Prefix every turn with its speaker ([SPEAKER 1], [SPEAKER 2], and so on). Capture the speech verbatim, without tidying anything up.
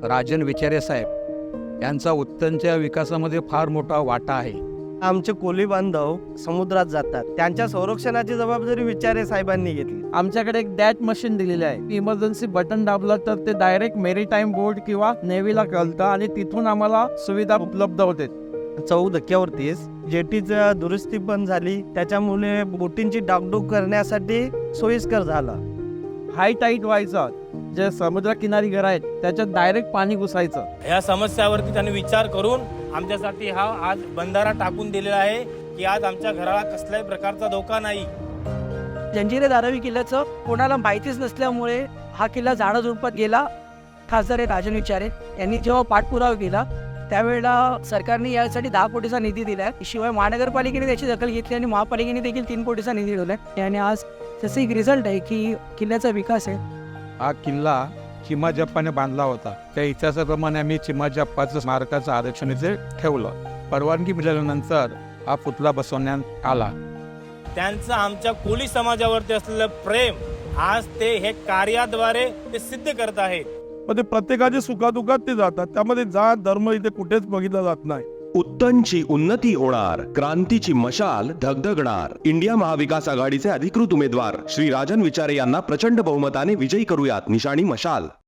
[SPEAKER 1] राजन विचारे साहेब यांचा उत्तनच्या विकासामध्ये फार मोठा वाटा आहे.
[SPEAKER 2] आमचे कोली बांधव समुद्रात जातात, त्यांच्या संरक्षणाची जबाबदारी विचारे साहेबांनी घेतली.
[SPEAKER 3] आमच्याकडे एक डॅट मशीन दिलेली आहे. इमर्जन्सी बटन दाबलं तर ते डायरेक्ट मेरीटाईम बोर्ड किंवा नेव्हीला कळतं आणि तिथून आम्हाला सुविधा उपलब्ध होते.
[SPEAKER 2] चौ धक्क्यावरतीच जेटीचं दुरुस्ती पण झाली, त्याच्यामुळे बोटींची डागडूग करण्यासाठी सोयीस्कर झालं.
[SPEAKER 3] हाय टाईट व्हायचं, जे समुद्रकिनारी घर आहेत त्याच्यात डायरेक्ट पाणी घुसायचं.
[SPEAKER 4] या समस्यावरती त्यांनी विचार करून आमच्यासाठी हा आज बंधारा टाकून दिलेला आहे की आज आमच्या घराला कसल्याही प्रकारचा धोका नाही.
[SPEAKER 5] जंजिरे धारावी किल्ल्याचं कोणाला माहितीच नसल्यामुळे हा किल्ला झाडा झुडपात गेला. खासदार आहे राजन विचारे यांनी जेव्हा पाठपुरावा केला त्यावेळेला सरकारने यासाठी दहा कोटीचा निधी दिला आहे. शिवाय महानगरपालिकेने त्याची दखल घेतली आणि महापालिकेने देखील तीन कोटीचा निधी दिला आहे. आणि आज त्याचा एक रिझल्ट आहे की किल्ल्याचा विकास आहे.
[SPEAKER 1] हा किल्ला चिमाजप्पाने बांधला होता. त्या इतिहासाप्रमाणे आम्ही चिमाजप्पाचं स्मारकाचं आरक्षण इथे ठेवलं. परवानगी मिळाल्यानंतर हा पुतळा बसवण्यात आला.
[SPEAKER 4] त्यांचं आमच्या कोळी समाजावरती असलेलं प्रेम आज ते हे कार्याद्वारे ते सिद्ध करत आहेत.
[SPEAKER 6] पण ते प्रत्येकाच्या सुखादुखात ते जातात, त्यामध्ये जात धर्म इथे कुठेच बघितला जात नाही.
[SPEAKER 7] उत्तनची उन्नती होणार, क्रांतीची मशाल धगधगणार. इंडिया महाविकास आघाडीचे अधिकृत उमेदवार श्री राजन विचारे यांना प्रचंड बहुमताने विजयी करूयात. निशाणी मशाल.